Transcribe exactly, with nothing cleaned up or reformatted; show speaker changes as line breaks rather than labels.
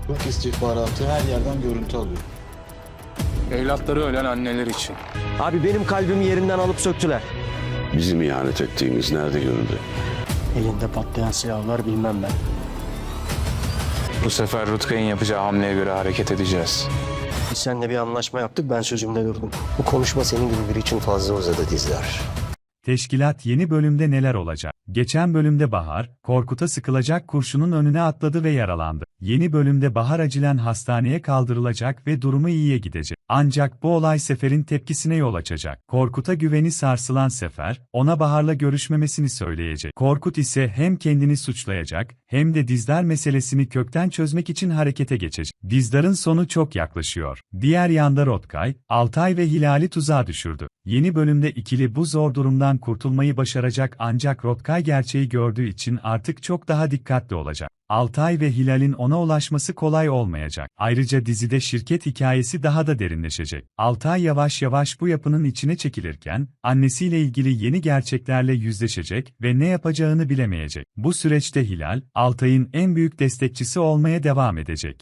Bak istihbaratı her yerden görüntü alıyor.
Evlatları ölen anneler için.
Abi benim kalbimi yerinden alıp söktüler.
Bizim ihanet ettiğimiz nerede görüldü?
Elinde patlayan silahlar bilmem ben.
Bu sefer Rutkay'ın yapacağı hamleye göre hareket edeceğiz.
Biz seninle bir anlaşma yaptık, ben sözümde durdum. Bu konuşma senin gibi biri için fazla uzadı Dizdar.
Teşkilat yeni bölümde neler olacak? Geçen bölümde Bahar, Korkut'a sıkılacak kurşunun önüne atladı ve yaralandı. Yeni bölümde Bahar acilen hastaneye kaldırılacak ve durumu iyiye gidecek. Ancak bu olay Sefer'in tepkisine yol açacak. Korkut'a güveni sarsılan Sefer, ona Bahar'la görüşmemesini söyleyecek. Korkut ise hem kendini suçlayacak, hem de Dizdar meselesini kökten çözmek için harekete geçecek. Dizdar'ın sonu çok yaklaşıyor. Diğer yanda Rutkay, Altay ve Hilal'i tuzağa düşürdü. Yeni bölümde ikili bu zor durumdan kurtulmayı başaracak ancak Rutkay gerçeği gördüğü için artık çok daha dikkatli olacak. Altay ve Hilal'in ona ulaşması kolay olmayacak. Ayrıca dizide şirket hikayesi daha da derinleşecek. Altay yavaş yavaş bu yapının içine çekilirken, annesiyle ilgili yeni gerçeklerle yüzleşecek ve ne yapacağını bilemeyecek. Bu süreçte Hilal, Altay'ın en büyük destekçisi olmaya devam edecek.